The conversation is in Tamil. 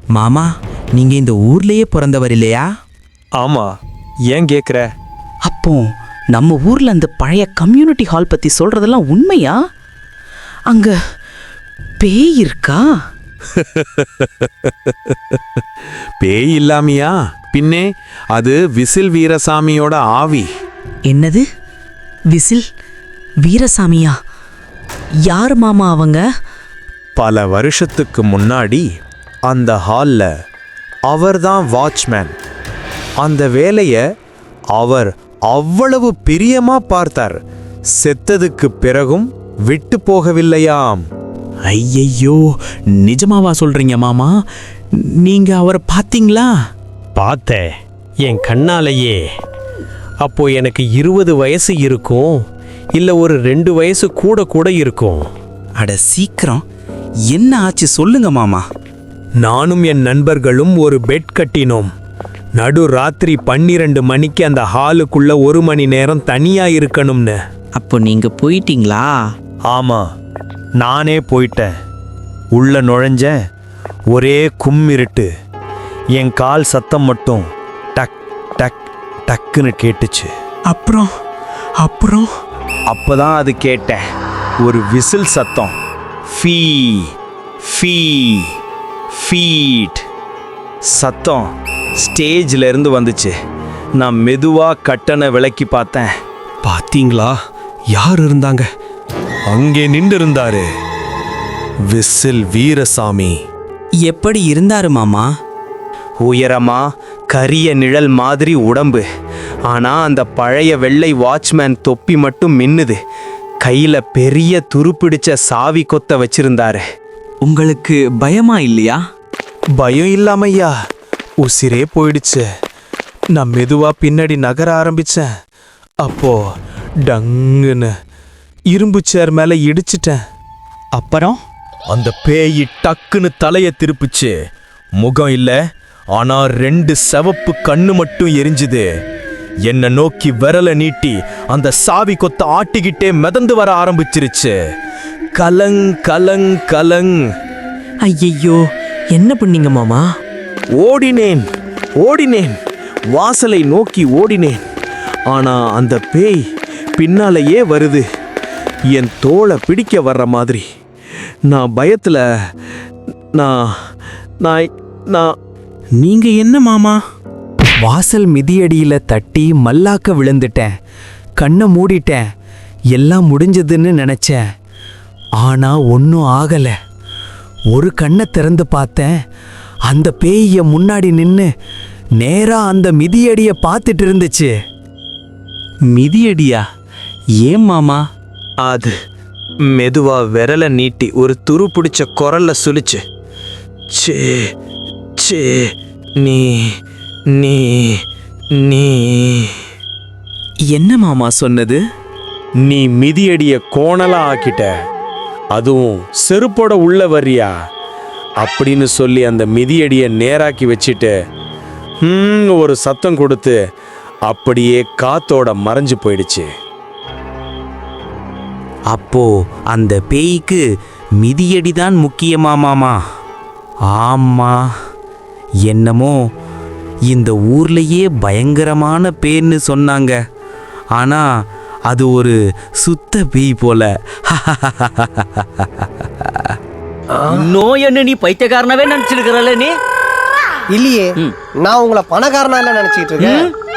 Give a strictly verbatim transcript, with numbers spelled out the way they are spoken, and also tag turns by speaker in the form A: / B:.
A: மாமா, நீங்க இந்த ஊர்லயே பிறந்தவர் இல்லையா?
B: ஆமா, ஏன் கேக்குற?
C: அப்போ நம்ம ஊர்ல அந்த பழைய கம்யூனிட்டி ஹால் பத்தி சொல்றதெல்லாம் உண்மையா? அங்க பேய் இருக்கா?
D: பேய் இல்லாமையா? பின்னே அது விசில் வீரசாமியோட ஆவி.
C: என்னது? விசில் வீரசாமியா? யார் மாமா அவங்க?
B: பல வருஷத்துக்கு முன்னாடி அந்த ஹால்ல அவர்தான் வாட்ச்மேன். அந்த வேலையை அவர் அவ்வளவு பிரியமா பார்த்தார். செத்ததுக்கு பிறகும் விட்டு போகவில்லையாம்.
A: ஐயையோ, நிஜமாவா சொல்றீங்க மாமா? நீங்க அவரை பார்த்தீங்களா?
E: பார்த்தேன், என் கண்ணாலேயே. அப்போ எனக்கு இருபது வயசு இருக்கும், இல்லை ஒரு ரெண்டு வயசு கூட கூட இருக்கும்.
A: அட சீக்கிரம், என்ன ஆச்சு சொல்லுங்க மாமா.
E: நானும் என் நண்பர்களும் ஒரு பெட் கட்டினோம். நடு ராத்திரி பன்னிரண்டு மணிக்கு அந்த ஹாலுக்குள்ள ஒரு மணி நேரம் தனியா இருக்கணும்னு.
C: அப்போ நீங்க போயிட்டீங்களா?
B: ஆமா, நானே போயிட்டேன். உள்ள நுழைஞ்ச ஒரே கும்மிருட்டு. என் கால் சத்தம் மட்டும் டக் டக் டக்குன்னு கேட்டுச்சு.
A: அப்புறம் அப்புறம்
B: அப்பதான் அது கேட்டேன், ஒரு விசில் சத்தம். ஃபீ ஃபீ ஃபீட் சத்தம் ஸ்டேஜ்ல இருந்து வந்துச்சு. நான் மெதுவா கட்டணை விளக்கி பார்த்தேன்.
E: பாத்தீங்களா, யார் இருந்தாங்க?
B: அங்கே நின்று இருந்தாரு விசில் வீரசாமி.
A: எப்படி இருந்தாரு மாமா?
B: உயரமா கரிய நிழல் மாதிரி உடம்பு. ஆனா அந்த பழைய வெள்ளை வாட்ச்மேன் தொப்பி மட்டும் மின்னுது. கையில பெரிய துருப்பிடிச்ச சாவி கொத்த வச்சிருந்தாரு.
A: உங்களுக்கு பயமா இல்லையா?
B: பயம் இல்லாமையா, உசிரே போயிடுச்சு. நான் மெதுவா பின்னாடி நகர ஆரம்பிச்சேன். அப்போ டங்குன்னு இரும்பு சேர் மேல இடிச்சிட்டேன்.
C: அப்புறம்
B: அந்த பேய் டக்குன்னு தலைய திருப்பிச்சு. முகம் இல்ல, ஆனா ரெண்டு செவப்பு கண்ணு மட்டும் எரிஞ்சுது. என்ன நோக்கி விரல நீட்டி அந்த சாவி கொத்த ஆட்டிக்கிட்டே மிதந்து வர ஆரம்பிச்சிருச்சு. கலங் கலங் கலங்.
C: ஐயையோ, என்ன பண்ணீங்க மாமா?
B: ஓடினேன் ஓடினேன் வாசலை நோக்கி ஓடினேன். ஆனா அந்த பேய் பின்னாலேயே வருது, என் தோளை பிடிக்க வர்ற மாதிரி. நான் பயத்துல நான் நான் நான்
A: நீங்க என்ன மாமா? வாசல் மிதியடியில தட்டி மல்லாக்க விழுந்துட்டேன். கண்ணை மூடிட்டேன். எல்லாம் முடிஞ்சதுன்னு நினைச்சேன். ஆனா ஒன்றும் ஆகல. ஒரு கண்ணை திறந்து பார்த்தேன். அந்த பேய முன்னாடி நின்னு நேரா அந்த மிதியடிய பார்த்துட்டு இருந்துச்சு. மிதியடியா? ஏன் மாமா?
B: அது மெதுவா விரல நீட்டி ஒரு துரு பிடிச்ச குரல்ல சொல்லிச்சு. சே சே நீ நீ நீ
A: என்ன மாமா சொன்னது?
B: நீ மிதியடிய கோணலா ஆக்கிட்ட, அதுவும் செருப்போட உள்ள வர்றியா அப்படின்னு சொல்லி அந்த மிதியடிய நேராக்கி வச்சிட்டு ஹம் ஒரு சத்தம் கொடுத்து அப்படியே காத்தோட மறைஞ்சு போயிடுச்சு.
A: அப்போ அந்த பேய்க்கு மிதியடிதான் முக்கியமா மாமா? ஆமா, என்னமோ இந்த ஊர்லயே பயங்கரமான பேர்னு சொன்னாங்க. ஆனா அது ஒரு சுத்த பேய் போல.
F: இன்னும் என்ன நீ பைத்தியக்காரனாவே நினைச்சிருக்கிறல்ல? நீ
G: இல்லையே, நான் உங்களை பணக்காரனா இல்ல நினைச்சிட்டு இருக்கேன்.